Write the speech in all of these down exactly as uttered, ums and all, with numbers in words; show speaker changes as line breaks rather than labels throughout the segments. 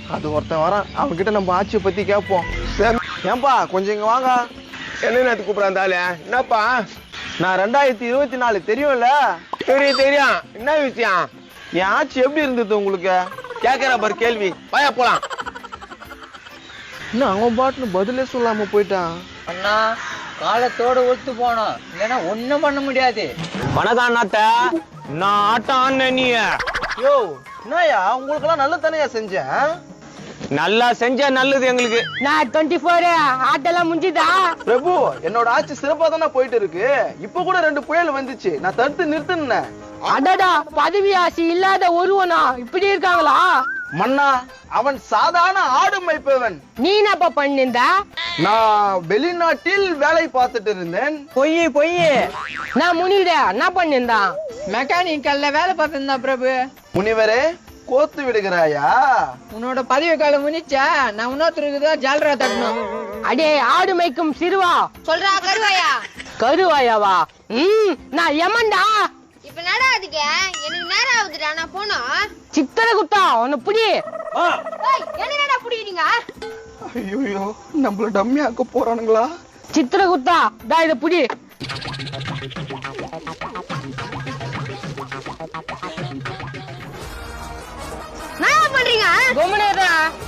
அது ஒருத்தன் வரான், அவன்கிட்ட நம்ம ஆட்சியை பத்தி கேட்போம். ஏன்பா கொஞ்சம் இங்க வாங்க.
என்ன நேரத்துக்கு கூப்பிடாந்தாலே? என்னப்பா?
நான் ரெண்டாயிரத்தி இருபத்தி நாலு தெரியும்ல?
தெரியும் தெரியும். என்ன விஷயம்?
என் ஆட்சி எப்படி இருந்தது உங்களுக்கு?
கேக்குற பாரு கேள்வி. வாயா போலாம்.
இன்னும் அவன் பாட்டுன்னு பதிலே சொல்லாம போயிட்டான்.
அண்ணா காலத்தோட ஒத்து போனோம், இல்லைன்னா ஒண்ணும் பண்ண முடியாது.
வணக்கம் அண்ணாத்த. நான் ஆட்டம் நீ
யோ என்னயா உங்களுக்கு எல்லாம் நல்ல தானையா செஞ்சேன்?
நல்லா செஞ்சா நல்லது எங்களுக்கு.
நான் டுவெண்ட்டி ஃபோர் ஆட்டெல்லாம் முடிஞ்சுதா?
பிரபு என்னோட ஆட்சி சிறப்பா தானே போயிட்டு இருக்கு. இப்ப கூட ரெண்டு புயல் வந்துச்சு, நான் தடுத்து நிறுத்தினேன்.
அடடா, பதவி ஆசை இல்லாத ஒருவனா இப்படி இருக்காங்களா?
மன்னா அவன் சாதாரண ஆடு மேய்ப்பவன்.
நீ என்னப்பா பண்ணிருந்த?
நான் வெளிநாட்டில் வேலை பார்த்துட்டு இருந்தேன்.
பொய் பொய். நான் முனிவிட என்ன பண்ணிருந்தான்? மெக்கானிக்கல்ல வேலை பார்த்திருந்தா பிரபு.
முனிவரே கோத்து விடுகிறாயா?
உன்னோட பதவி காலம் முடிச்சா நான் இன்னொருத்தருக்கு தான் ஜாலரா தட்டணும். அடே ஆடு மேய்க்கும் சிறுவா.
சொல்றா கருவாயா.
கருவாயாவா? ம் நான் யமன்டா.
இப்ப என்னடா அதுக்கு? எனக்கு நேரம் ஆகுதுடா, நான் போனோம்.
சித்தர குத்தா உன்னை புடி.
என்னடா புடிக்கிறீங்க?
ஐயோ நம்மள டம்மி ஆக்க போறானுங்களா?
சித்திர குத்தா டா இத புடி.
என்ன பண்றீங்க?
கோமனேடா,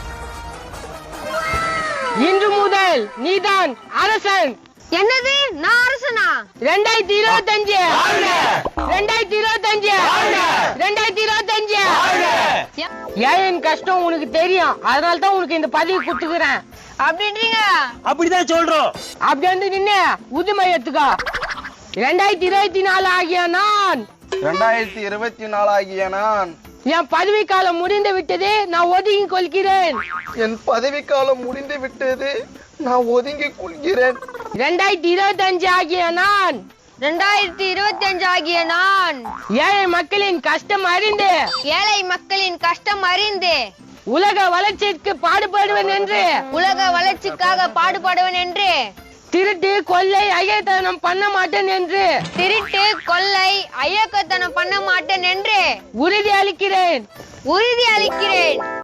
இன்று முதல் நீதான் அரசன்.
என்னது? நான் அரசனா?
ரெண்டாயிரத்தி இருபத்தி அஞ்சு ரெண்டாயிரத்தி இருபத்தி அஞ்சு ரெண்டாயிரத்தி இருபத்தி அஞ்சு ஏன் கஷ்டம் உனக்கு தெரியும், அதனால தான் உனக்கு இந்த பதவி கொடுத்துக்கிறேன்.
அப்படின்றீங்க?
அப்படிதான் சொல்றோம்.
அப்படி வந்து நின்னு உதுமை எடுத்துக்கோ. ரெண்டாயிரத்தி இருபத்தி நாலு ஆகிய நான்
ரெண்டாயிரத்தி இருபத்தி நாலு ஆகிய நான்
என் பதவி காலம் முடிந்து விட்டது, நான் ஒதுங்கி கொள்கிறேன்.
என் பதவி காலம் முடிந்து விட்டது, நான் ஒதுங்கி கொள்கிறேன்.
ரெண்டாயிரத்தி இருபத்தி அஞ்சு ஆகிய நான்
ரெண்டாயிரத்தி இருபத்தி அஞ்சு ஆகிய நான்
ஏழை மக்களின் கஷ்டம் அறிந்து
ஏழை மக்களின் கஷ்டம் அறிந்து
உலக வளர்ச்சிக்கு பாடுபடுவேன் என்று
உலக வளர்ச்சிக்காக பாடுபடுவேன் என்று
திருட்டு கொள்ளை அயத்தனம் பண்ண மாட்டேன் என்று
திருட்டு கொள்ளை அயக்கத்தனம் பண்ண மாட்டேன் என்று
உறுதி அளிக்கிறேன்
உறுதி அளிக்கிறேன்.